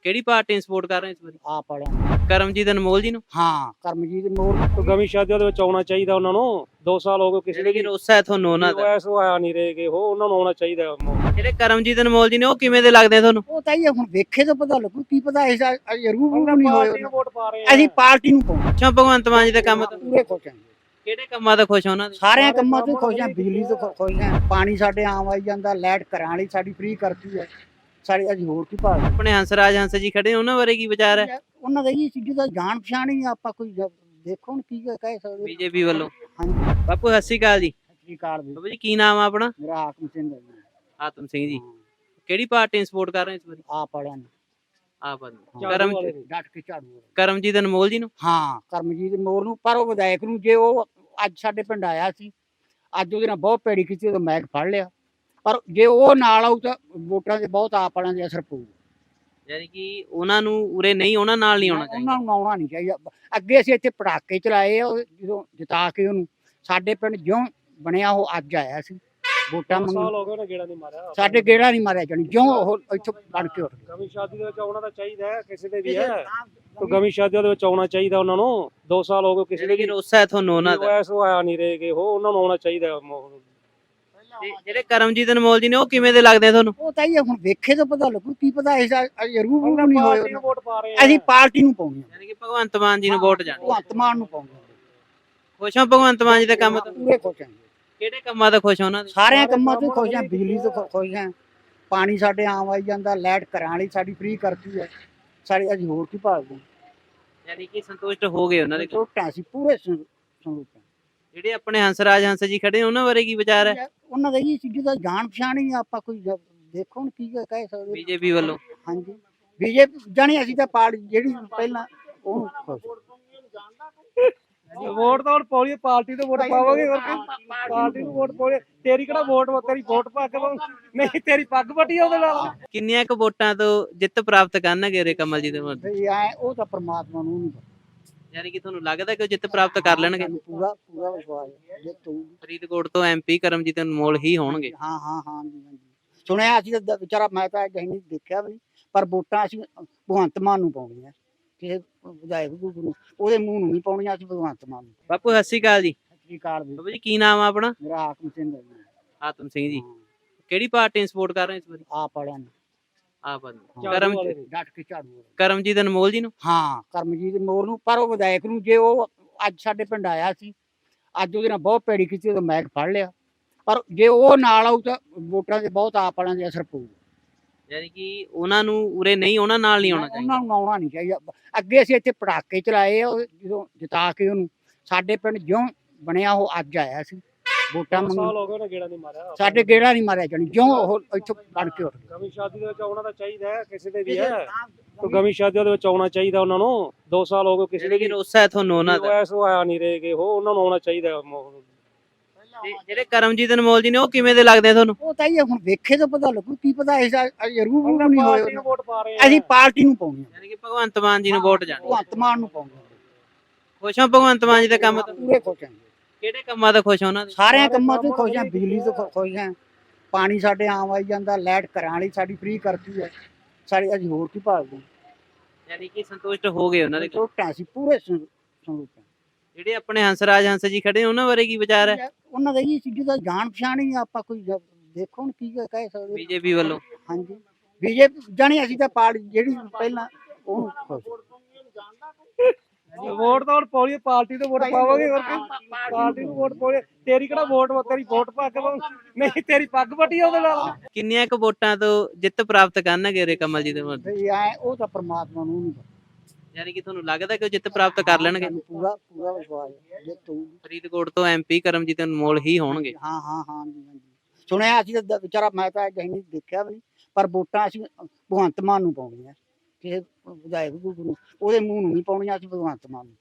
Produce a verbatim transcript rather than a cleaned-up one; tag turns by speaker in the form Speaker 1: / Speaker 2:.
Speaker 1: ਕਿਹੜੀ ਪਾਰਟੀ ਨੂੰ ਸਪੋਰਟ ਕਰ ਰਹੇ ਹੋ ਇਸ ਵਾਰੀ?
Speaker 2: ਆਪ ਵਾਲਿਆਂ ਨੂੰ।
Speaker 1: ਕਰਮਜੀਤ ਅਨਮੋਲ ਜੀ ਨੂੰ।
Speaker 2: ਹਾਂ ਕਰਮਜੀਤ ਮੋਰ
Speaker 3: ਕੋਈ ਗਮੀ ਸ਼ਾਦੀਆਂ ਦੇ ਵਿੱਚ ਆਉਣਾ ਚਾਹੀਦਾ ਉਹਨਾਂ ਨੂੰ। ਦੋ ਸਾਲ ਹੋ ਗਏ ਕਿਸੇ
Speaker 1: ਜਿਹੜੇ
Speaker 3: ਦੇ
Speaker 1: ਕਿ
Speaker 3: ਵੀ
Speaker 1: ਰੋਸਾ ਹੈ ਤੁਹਾਨੂੰ ਉਹਨਾਂ ਦਾ।
Speaker 3: ਐਸ ਆਇਆ ਨਹੀਂ ਰਹੇਗੇ, ਉਹ ਉਹਨਾਂ ਨੂੰ ਆਉਣਾ ਚਾਹੀਦਾ।
Speaker 1: ਜਿਹੜੇ ਕਰਮਜੀਤ ਅਨਮੋਲ ਜੀ ਨੇ ਉਹ ਕਿਵੇਂ ਦੇ ਲੱਗਦੇ ਆ ਤੁਹਾਨੂੰ?
Speaker 2: ਉਹ ਤਾਂ ਇਹ ਹੁਣ ਵੇਖੇ ਤਾਂ ਪਤਾ ਲੱਗੂ ਕੀ ਪਤਾ ਇਸ ਜ਼ਰੂਰ ਨਹੀਂ ਹੋਏ
Speaker 3: ਪਾਰਟੀ ਨੂੰ ਵੋਟ ਪਾ ਰਹੇ ਆ।
Speaker 2: ਅਸੀਂ ਪਾਰਟੀ ਨੂੰ ਪਾਉਂਦੇ
Speaker 1: ਅੱਛਾ, ਭਗਵੰਤ ਮਾਨ ਜੀ ਦੇ ਕੰਮ ਤੋਂ
Speaker 2: ਪੂਰੇ ਖੁਸ਼ ਹਾਂ
Speaker 1: ਕਿਹੜੇ ਕੰਮਾਂ ਤੋਂ ਖੁਸ਼ ਹੋ ਉਹਨਾਂ ਦੇ?
Speaker 2: ਸਾਰਿਆਂ ਕੰਮਾਂ ਤੋਂ ਖੁਸ਼ ਹਾਂ, ਬਿਜਲੀ ਤੋਂ ਖੁ- ਖੁਸ਼ ਹਾਂ, ਪਾਣੀ ਸਾਡੇ ਆਮ ਆਈ ਜਾਂਦਾ, ਲਾਈਟ ਘਰਾਂ ਵਾਲੀ ਸਾਡੀ ਫ੍ਰੀ ਕਰਤੀ ਹੈ ਸਾਡੀ। ਅਸੀਂ ਹੋਰ ਕੀ ਭਾਲ
Speaker 1: ਆਪਣੇ ਹੰਸਰਾਜ ਹੰਸ ਜੀ ਖੜੇ ਉਹਨਾਂ ਬਾਰੇ ਕੀ ਵਿਚਾਰ ਹੈ?
Speaker 2: ਉਹਨਾਂ ਦਾ ਇਹ ਚੀਜ਼ ਦਾ ਜਾਣ ਪਛਾਣ ਹੀ ਆਪਾਂ ਕੋਈ ਜ- ਦੇਖੋ ਹੁਣ ਕੀ ਕਹਿ ਸਕਦੇ।
Speaker 1: ਬੀਜੇਪੀ ਵੱਲੋਂ।
Speaker 2: ਹਾਂਜੀ
Speaker 1: ਬਾਪੂ ਸਤਿ ਸ਼੍ਰੀ ਅਕਾਲ ਜੀ।
Speaker 2: ਸਤਿ ਸ੍ਰੀ ਅਕਾਲ ਜੀ।
Speaker 1: ਬਾਬੂ ਜੀ ਕੀ ਨਾਮ ਆ ਆਪਣਾ?
Speaker 2: ਮੇਰਾ ਹਾਕਮ ਸਿੰਘ ਹੈ ਜੀ।
Speaker 1: ਆਤਮ ਸਿੰਘ ਜੀ। ਕਿਹੜੀ ਪਾਰਟੀ ਨੂੰ ਸਪੋਰਟ ਕਰ ਰਹੇ ਹੋ ਇਸ ਵਾਰੀ?
Speaker 2: ਆਪ ਵਾਲਿਆਂ ਨੂੰ।
Speaker 1: ਆਪ ਆਦਮੀ।
Speaker 3: ਝਾੜੂ
Speaker 1: ਕਰਮ
Speaker 3: ਵਾਲੇ ਨੂੰ।
Speaker 2: ਡਟ ਕੇ ਝਾੜੂ ਵਾਲੇ।
Speaker 1: ਕਰਮਜੀਤ ਅਨਮੋਲ ਜੀ ਨੂੰ।
Speaker 2: ਹਾਂ ਕਰਮਜੀਤ ਮੋਰ ਨੂੰ। ਪਰ ਉਹ ਵਿਧਾਇਕ ਨੂੰ ਜੇ ਉਹ ਅੱਜ ਸਾਡੇ ਪਿੰਡ ਆਇਆ ਸੀ, ਅੱਜ ਉਹਦੇ ਨਾਲ ਬਹੁਤ ਭੈੜੀ ਕੀਤੀ, ਉਹ ਮੈਂ ਫੜ ਲਿਆ। ਪਰ ਜੇ ਉਹ ਨਾਲ ਆਊ ਤਾਂ ਵੋਟਾਂ ਦੇ ਬਹੁਤ ਆਪ ਵਾਲਿਆਂ ਦੇ ਅਸਰ ਪਊ।
Speaker 1: ਯਾਨੀ ਕਿ ਉਹਨਾਂ ਨੂੰ ਉਰੇ ਨਹੀਂ, ਉਹਨਾਂ ਨਾਲ ਨਹੀਂ ਆਉਣਾ ਚਾਹੀਦਾ।
Speaker 2: ਉਹਨਾਂ ਨੂੰ ਆਉਣਾ ਨਹੀਂ ਚਾਹੀਦਾ। ਅੱਗੇ ਅਸੀਂ ਇੱਥੇ ਪਟਾਕੇ ਚਲਾਏ ਆ, ਉਹ ਜਦੋਂ ਜਿਤਾ ਕੇ ਉਹਨੂੰ ਸਾਡੇ ਪਿੰਡ ਜਿਉਂ ਬਣਿਆ ਉਹ ਅੱਜ ਆਇਆ ਸੀ ਵੋਟਾਂ
Speaker 3: ਦੋ ਸਾਲ
Speaker 2: ਮੰਗਣ।
Speaker 3: ਹੋ ਗਏ ਉਹਨੇ ਗੇੜਾ ਨਹੀਂ ਮਾਰਿਆ।
Speaker 2: ਸਾਡੇ ਗੇੜਾ ਨਹੀਂ ਮਾਰਿਆ ਜਾਣੀ ਜਿਉਂ ਉਹ ਇੱਥੋਂ ਬਣ ਕੇ ਉੱਠ ਗਿਆ।
Speaker 3: ਗਮੀ ਸ਼ਾਦੀ ਦੇ ਵਿੱਚ ਆਉਣਾ ਤਾਂ ਚਾਹੀਦਾ ਹੈ, ਕਿਸੇ ਦੇ ਵੀ ਹੈ। ਕੋਈ ਗਮੀ ਸ਼ਾਦੀਆਂ ਦੇ ਵਿੱਚ ਆਉਣਾ ਚਾਹੀਦਾ ਉਹਨਾਂ ਨੂੰ। ਦੋ ਸਾਲ ਹੋ ਗਏ ਕਿਸੇ ਦੇ
Speaker 1: ਜਿਹੜੇ ਕਿ
Speaker 3: ਵੀ
Speaker 1: ਰੋਸਾ ਹੈ ਤੁਹਾਨੂੰ ਉਹਨਾਂ ਦਾ।
Speaker 3: ਐਸ ਆਇਆ ਨਹੀਂ ਰਹੇਗੇ, ਉਹ ਉਹਨਾਂ ਨੂੰ ਆਉਣਾ ਚਾਹੀਦਾ।
Speaker 1: ਤੇ ਜਿਹੜੇ ਕਰਮਜੀਤ ਅਨਮੋਲ ਜੀ ਨੇ ਉਹ ਕਿਵੇਂ ਦੇ ਲੱਗਦੇ ਆ ਤੁਹਾਨੂੰ?
Speaker 2: ਉਹ ਤਾਂ ਇਹ ਹੁਣ ਵੇਖੇ ਤਾਂ ਪਤਾ ਲੱਗੂ ਕੀ ਪਤਾ ਇਸ ਜ਼ਰੂਰ ਨਹੀਂ
Speaker 3: ਪਾਰਟੀ
Speaker 2: ਹੋਏ।
Speaker 3: ਨੂੰ ਵੋਟ ਪਾ ਰਹੇ ਆ।
Speaker 2: ਅਸੀਂ ਪਾਰਟੀ ਨੂੰ ਪਾਉਂਦੇ ਹਾਂ,
Speaker 1: ਯਾਨੀ ਕਿ ਭਗਵੰਤ ਮਾਨ ਜੀ ਨੂੰ ਵੋਟ ਜਾਣੀ।
Speaker 2: ਭਗਵੰਤ ਮਾਨ ਨੂੰ ਪਾਉਂਦੇ ਹਾਂ।
Speaker 1: ਖੁਸ਼ ਹੋ ਭਗਵੰਤ ਮਾਨ ਜੀ ਦੇ ਕੰਮ ਤੋਂ?
Speaker 2: ਪੂਰੇ ਖੁਸ਼ ਹਾਂ
Speaker 1: ਕਿਹੜੇ ਕੰਮਾਂ ਤੋਂ ਖੁਸ਼ ਹੋ ਉਹਨਾਂ ਦੇ?
Speaker 2: ਸਾਰਿਆਂ ਕੰਮਾਂ ਤੋਂ ਖੁਸ਼ ਹਾਂ, ਬਿਜਲੀ ਤੋਂ ਖੁ- ਖੁਸ਼ ਹਾਂ, ਪਾਣੀ ਸਾਡੇ ਆਮ ਆਈ ਜਾਂਦਾ, ਲਾਈਟ ਘਰਾਂ ਵਾਲੀ ਸਾਡੀ ਫ੍ਰੀ ਕਰਤੀ ਹੈ ਸਾਡੀ। ਅਸੀਂ ਹੋਰ ਕੀ ਭਾਲਦੇ ਹਾਂ।
Speaker 1: ਯਾਨੀ ਕਿ ਸੰਤੁਸ਼ਟ ਹੋ ਗਏ ਉਹਨਾਂ ਦੇ।
Speaker 2: ਛੋਟਾ ਸੀ ਪੂਰੇ ਸੰ- ਸੰਤੁਸ਼ਟ ਹਾਂ।
Speaker 1: ਜਿਹੜੇ ਆਪਣੇ ਹੰਸਰਾਜ ਹੰਸ ਜੀ ਖੜੇ ਉਹਨਾਂ ਬਾਰੇ ਕੀ ਵਿਚਾਰ ਹੈ?
Speaker 2: ਉਹਨਾਂ ਦਾ ਇਹ ਚੀਜ਼ ਦਾ ਜਾਣ ਪਛਾਣ ਹੀ ਆਪਾਂ ਕੋਈ ਜ- ਦੇਖੋ ਹੁਣ ਕੀ ਕਹਿ ਸਕਦੇ।
Speaker 1: ਬੀਜੇਪੀ ਵੱਲੋਂ।
Speaker 2: ਹਾਂਜੀ ਬੀਜੇਪੀ ਜਾਣੀ ਅਸੀਂ ਤਾਂ ਪਾਰਟੀ ਜਿਹੜੀ ਪਹਿਲਾਂ ਉਹਨੂੰ ਖੁਸ਼।
Speaker 3: ਵੋਟ ਤਾਂ ਹੁਣ ਪਾਉਣੀ, ਪਾਰਟੀ ਨੂੰ ਵੋਟ ਪਾਵਾਂਗੇ। ਹੋਰ ਕੀ ਪਾਰਟੀ ਨੂੰ ਵੋਟ ਪਾਉਣੀ। ਤੇਰੀ ਕਿਹੜਾ ਵੋਟ ਵਾ, ਤੇਰੀ ਵੋਟ ਪਾ ਕੇ ਪਾਉਂ- ਨਹੀਂ ਤੇਰੀ ਪੱਗ ਵੱਟੀ ਉਹਦੇ ਨਾਲ।
Speaker 1: ਕਿੰਨੀਆਂ ਕੁ ਵੋਟਾਂ ਤੋਂ ਜਿੱਤ ਪ੍ਰਾਪਤ ਕਰਨਗੇ ਰੇ ਕਮਲ ਜੀ ਦੇ ਮਨ?
Speaker 2: ਵੀ ਐ ਉਹ ਤਾਂ ਪ੍ਰਮਾਤਮਾ ਨੂੰ ਨਹੀਂ ਪਤਾ।
Speaker 1: ਯਾਨੀ ਕਿ ਤੁਹਾਨੂੰ ਲੱਗਦਾ ਕਿ ਉਹ ਜਿੱਤ ਪ੍ਰਾਪਤ ਕਰ ਲੈਣਗੇ?
Speaker 2: ਸਾਨੂੰ ਪੂਰਾ ਪੂਰਾ ਵਿਸ਼ਵਾਸ ਹੈ ਜੇ ਤੂੰ।
Speaker 1: ਫਰੀਦਕੋਟ ਤੋਂ ਐਮਪੀ ਕਰਮਜੀਤ ਅਨਮੋਲ ਹੀ ਹੋਣਗੇ।
Speaker 2: ਹਾਂ ਹਾਂ ਹਾਂ ਜੀ ਹਾਂਜੀ ਸੁਣਿਆ ਅਸੀਂ ਤਾਂ ਵਿਚਾਰਾ, ਮੈਂ ਤਾਂ ਅਜੇ ਨਹੀਂ ਦੇਖਿਆ ਵੀ ਨਹੀਂ, ਪਰ ਵੋਟਾਂ ਅਸੀਂ ਭਗਵੰਤ ਮਾਨ ਨੂੰ ਪਾਉਣੀਆਂ। ਕਿਸੇ ਵਿਧਾਇਕ ਨੂੰ ਉਹਦੇ ਮੂੰਹ ਨੂੰ ਨਹੀਂ ਪਾਉਣੀਆਂ, ਅਸੀਂ ਭਗਵੰਤ ਮਾਨ ਨੂੰ।
Speaker 1: ਬਾਪੂ ਸਤਿ ਸ਼੍ਰੀ ਅਕਾਲ ਜੀ।
Speaker 2: ਸਤਿ ਸ੍ਰੀ ਅਕਾਲ ਜੀ।
Speaker 1: ਬਾਬੂ ਜੀ ਕੀ ਨਾਮ ਆ ਆਪਣਾ?
Speaker 2: ਮੇਰਾ ਹਾਕਮ ਸਿੰਘ ਹੈ ਜੀ।
Speaker 1: ਆਤਮ ਸਿੰਘ ਜੀ।
Speaker 2: ਹਾਂ,
Speaker 1: ਕਿਹੜੀ ਪਾਰਟੀ ਨੂੰ ਸਪੋਰਟ ਕਰ ਰਹੇ ਹੋ ਇਸ ਵਾਰੀ?
Speaker 2: ਆਪ ਵਾਲਿਆਂ ਨੂੰ।
Speaker 1: ਆਪ ਆਦਮੀ।
Speaker 3: ਝਾੜੂ
Speaker 1: ਕਰਮ
Speaker 3: ਵਾਲੇ ਨੂੰ।
Speaker 2: ਡਟ ਕੇ ਝਾੜੂ ਵਾਲੇ।
Speaker 1: ਕਰਮਜੀਤ ਅਨਮੋਲ ਜੀ ਨੂੰ।
Speaker 2: ਹਾਂ ਕਰਮਜੀਤ ਮੋਰ ਨੂੰ। ਪਰ ਉਹ ਵਿਧਾਇਕ ਨੂੰ ਜੇ ਉਹ ਅੱਜ ਸਾਡੇ ਪਿੰਡ ਆਇਆ ਸੀ, ਅੱਜ ਉਹਦੇ ਨਾਲ ਬਹੁਤ ਭੈੜੀ ਕੀਤੀ, ਉਹ ਮੈਂ ਫੜ ਲਿਆ। ਪਰ ਜੇ ਉਹ ਨਾਲ ਆਊ ਤਾਂ ਵੋਟਾਂ ਦੇ ਬਹੁਤ ਆਪ ਵਾਲਿਆਂ ਦੇ ਅਸਰ ਪਊ।
Speaker 1: ਯਾਨੀ ਕਿ ਉਹਨਾਂ ਨੂੰ ਉਰੇ ਨਹੀਂ, ਉਹਨਾਂ ਨਾਲ ਨਹੀਂ ਆਉਣਾ ਚਾਹੀਦਾ।
Speaker 2: ਉਹਨਾਂ ਨੂੰ ਆਉਣਾ ਨਹੀਂ ਚਾਹੀਦਾ। ਅੱਗੇ ਅਸੀਂ ਇੱਥੇ ਪਟਾਕੇ ਚਲਾਏ ਆ, ਉਹ ਜਦੋਂ ਜਿਤਾ ਕੇ ਉਹਨੂੰ ਸਾਡੇ ਪਿੰਡ ਜਿਉਂ ਬਣਿਆ ਉਹ ਅੱਜ ਆਇਆ ਸੀ ਵੋਟਾਂ
Speaker 3: ਦੋ
Speaker 2: ਮੰਗਣ।
Speaker 3: ਸਾਲ ਹੋ ਗਏ ਉਹਨੇ ਗੇੜਾ ਨਹੀਂ ਮਾਰਿਆ।
Speaker 2: ਸਾਡੇ ਗੇੜਾ ਨਹੀਂ ਮਾਰਿਆ ਜਾਣੀ ਜਿਉਂ ਉਹ ਇੱਥੋਂ ਬਣ ਕੇ ਉੱਠ ਗਿਆ।
Speaker 3: ਗਮੀ ਸ਼ਾਦੀ ਦੇ ਵਿੱਚ ਆਉਣਾ ਤਾਂ ਚਾਹੀਦਾ ਹੈ, ਕਿਸੇ ਦੇ ਵੀ ਹੈ। ਕੋਈ ਗਮੀ ਸ਼ਾਦੀਆਂ ਦੇ ਵਿੱਚ ਆਉਣਾ ਚਾਹੀਦਾ ਉਹਨਾਂ ਨੂੰ। ਦੋ ਸਾਲ ਹੋ ਗਏ ਕਿਸੇ ਦੇ
Speaker 1: ਯਾਨੀ ਕਿ
Speaker 3: ਵੀ
Speaker 1: ਰੋਸਾ ਹੈ ਤੁਹਾਨੂੰ ਉਹਨਾਂ ਦਾ।
Speaker 3: ਐਸ ਆਇਆ ਨਹੀਂ ਰਹੇਗੇ, ਉਹ ਉਹਨਾਂ ਨੂੰ ਆਉਣਾ ਚਾਹੀਦਾ।
Speaker 1: ਤੇ ਜਿਹੜੇ ਕਰਮਜੀਤ ਅਨਮੋਲ ਜੀ ਨੇ ਉਹ ਕਿਵੇਂ ਦੇ ਲੱਗਦੇ ਆ ਤੁਹਾਨੂੰ?
Speaker 2: ਉਹ ਤਾਂ ਇਹ ਹੁਣ ਵੇਖੇ ਤਾਂ ਪਤਾ ਲੱਗੂ ਕੀ ਪਤਾ ਇਸ ਜ਼ਰੂਰ ਨਹੀਂ
Speaker 3: ਪਾਰਟੀ
Speaker 2: ਹੋਏ।
Speaker 3: ਨੂੰ ਵੋਟ ਪਾ ਰਹੇ ਆ।
Speaker 2: ਅਸੀਂ ਪਾਰਟੀ ਨੂੰ ਪਾਉਂਦੇ ਹਾਂ,
Speaker 1: ਯਾਨੀ ਕਿ ਭਗਵੰਤ ਮਾਨ ਜੀ ਨੂੰ ਵੋਟ ਜਾਣੀ।
Speaker 2: ਭਗਵੰਤ ਮਾਨ ਨੂੰ ਪਾਉਂਦੇ ਹਾਂ।
Speaker 1: ਖੁਸ਼ ਹੋ ਭਗਵੰਤ ਮਾਨ ਜੀ ਦੇ ਕੰਮ ਤੋਂ?
Speaker 2: ਪੂਰੇ ਖੁਸ਼ ਹਾਂ
Speaker 1: ਕਿਹੜੇ ਕੰਮਾਂ ਤੋਂ ਖੁਸ਼ ਹੋ ਉਹਨਾਂ ਦੇ?
Speaker 2: ਸਾਰਿਆਂ ਕੰਮਾਂ ਤੋਂ ਖੁਸ਼ ਹਾਂ, ਬਿਜਲੀ ਤੋਂ ਖੁ- ਖੁਸ਼ ਹਾਂ, ਪਾਣੀ ਸਾਡੇ ਆਮ ਆਈ ਜਾਂਦਾ, ਲਾਈਟ ਘਰਾਂ ਵਾਲੀ ਸਾਡੀ ਫ੍ਰੀ ਕਰਤੀ ਹੈ ਸਾਡੀ। ਅਸੀਂ ਹੋਰ ਕੀ ਭਾਲਦੇ ਹਾਂ।
Speaker 1: ਯਾਨੀ ਕਿ ਸੰਤੁਸ਼ਟ ਹੋ ਗਏ ਉਹਨਾਂ ਦੇ।
Speaker 2: ਛੋਟਾ ਸੀ ਪੂਰੇ ਸੰ- ਸੰਤੁਸ਼ਟ ਹਾਂ।
Speaker 1: ਜਿਹੜੇ ਆਪਣੇ ਹੰਸਰਾਜ ਹੰਸ ਜੀ ਖੜੇ ਉਹਨਾਂ ਬਾਰੇ ਕੀ ਵਿਚਾਰ ਹੈ?
Speaker 2: ਉਹਨਾਂ ਦਾ ਇਹ ਚੀਜ਼ ਦਾ ਜਾਣ ਪਛਾਣ ਹੀ ਆਪਾਂ ਕੋਈ ਜ- ਦੇਖੋ ਹੁਣ ਕੀ ਕਹਿ ਸਕਦੇ।
Speaker 1: ਬੀਜੇਪੀ ਵੱਲੋਂ।
Speaker 2: ਹਾਂਜੀ ਬੀਜੇਪੀ ਜਾਣੀ ਅਸੀਂ ਤਾਂ ਪਾਰਟੀ ਜਿਹੜੀ ਪਹਿਲਾਂ ਉਹਨੂੰ ਖੁਸ਼।
Speaker 3: ਵੋਟ ਤਾਂ ਹੁਣ ਪਾਉਣੀ, ਪਾਰਟੀ ਨੂੰ ਵੋਟ ਪਾਵਾਂਗੇ। ਹੋਰ ਕੀ ਪਾਰਟੀ ਨੂੰ ਵੋਟ ਪਾਉਣੀ। ਤੇਰੀ ਕਿਹੜਾ ਵੋਟ ਵਾ, ਤੇਰੀ ਵੋਟ ਪਾ ਕੇ ਪਾਉਂ- ਨਹੀਂ ਤੇਰੀ ਪੱਗ ਵੱਟੀ ਉਹਦੇ ਨਾਲ।
Speaker 1: ਕਿੰਨੀਆਂ ਕੁ ਵੋਟਾਂ ਤੋਂ ਜਿੱਤ ਪ੍ਰਾਪਤ ਕਰਨਗੇ ਰੇ ਕਮਲ ਜੀ ਦੇ ਮਨ?
Speaker 2: ਵੀ ਐ ਉਹ ਤਾਂ ਪ੍ਰਮਾਤਮਾ ਨੂੰ ਨਹੀਂ ਪਤਾ।
Speaker 1: ਯਾਨੀ ਕਿ ਤੁਹਾਨੂੰ ਲੱਗਦਾ ਕਿ ਉਹ ਜਿੱਤ ਪ੍ਰਾਪਤ ਕਰ ਲੈਣਗੇ?
Speaker 2: ਸਾਨੂੰ ਪੂਰਾ ਪੂਰਾ ਵਿਸ਼ਵਾਸ ਹੈ ਜੇ ਤੂੰ।
Speaker 1: ਫਰੀਦਕੋਟ ਤੋਂ ਐਮਪੀ ਕਰਮਜੀਤ ਅਨਮੋਲ ਹੀ ਹੋਣਗੇ।
Speaker 2: ਹਾਂ ਹਾਂ ਹਾਂ ਜੀ ਹਾਂਜੀ ਸੁਣਿਆ ਅਸੀਂ ਤਾਂ ਵਿਚਾਰਾ, ਮੈਂ ਤਾਂ ਅਜੇ ਨਹੀਂ ਦੇਖਿਆ ਵੀ ਨਹੀਂ, ਪਰ ਵੋਟਾਂ ਅਸੀਂ ਭਗਵੰਤ ਮਾਨ ਨੂੰ ਪਾਉਣੀਆਂ। ਕਿਸੇ ਵਿਧਾਇਕ ਨੂੰ ਉਹਦੇ ਮੂੰਹ ਨੂੰ ਨਹੀਂ ਪਾਉਣੀਆਂ, ਅਸੀਂ ਭਗਵੰਤ ਮਾਨ ਨੂੰ।